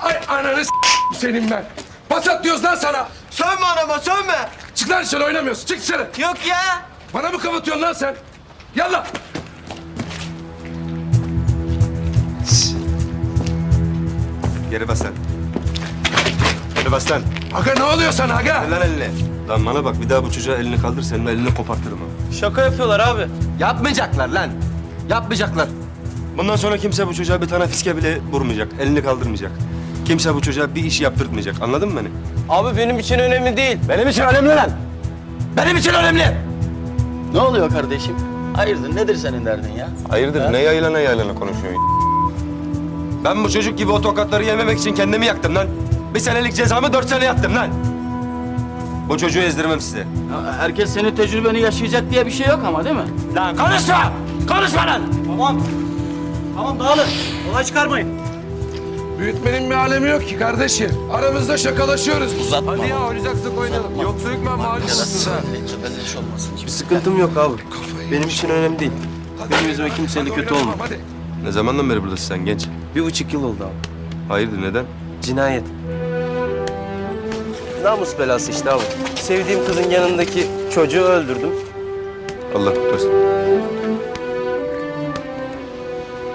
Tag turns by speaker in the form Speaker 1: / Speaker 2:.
Speaker 1: Ay ananı senin ben. Basat diyoruz lan sana.
Speaker 2: Sönme anama sönme.
Speaker 1: Çık lan dışarı oynamıyorsun. Çık dışarı.
Speaker 2: Yok ya.
Speaker 1: Bana mı kapatıyorsun lan sen? Yallah.
Speaker 3: Geri bas lan. Geri bas lan.
Speaker 1: Aga ne oluyor sana aga?
Speaker 3: Ver lan elini. Lan bana bak bir daha bu çocuğa elini kaldır senin elini kopartırım ha.
Speaker 2: Şaka yapıyorlar abi.
Speaker 3: Yapmayacaklar lan. Yapmayacaklar. Bundan sonra kimse bu çocuğa bir tane fiske bile vurmayacak. Elini kaldırmayacak. Kimse bu çocuğa bir iş yaptırtmayacak. Anladın mı beni?
Speaker 2: Abi benim için önemli değil.
Speaker 3: Benim için önemli lan. Benim için önemli.
Speaker 4: Ne oluyor kardeşim? Hayırdır nedir senin derdin ya?
Speaker 3: Hayırdır ne yaylana konuşuyorsun? Ben bu çocuk gibi o tokatları yememek için kendimi yaktım lan. Bir senelik cezamı 4 sene yattım lan. Bu çocuğu ezdirmem size.
Speaker 4: Ya herkes senin tecrübeni yaşayacak diye bir şey yok ama değil mi?
Speaker 3: Lan konuşma! Konuşma lan!
Speaker 4: Tamam. Tamam dağılın. Olay çıkarmayın.
Speaker 1: Büyütmenin bir alemi yok ki kardeşim. Aramızda şakalaşıyoruz.
Speaker 4: Uzatma.
Speaker 1: Hadi ya oynayacaksak oynayalım. Yoksa hükmen mağlusunuz ha.
Speaker 4: Belli olmasın.
Speaker 2: Bir sıkıntım yok abi. Benim için önemli değil. Benim yüzüme kimseyle kötü olma.
Speaker 1: Hadi.
Speaker 3: Ne zamandan beri buradasın sen genç?
Speaker 2: 1,5 yıl oldu abi.
Speaker 3: Hayırdır neden?
Speaker 2: Cinayet. Namus belası işte abi. Sevdiğim kızın yanındaki çocuğu öldürdüm.
Speaker 3: Allah kurtarsın.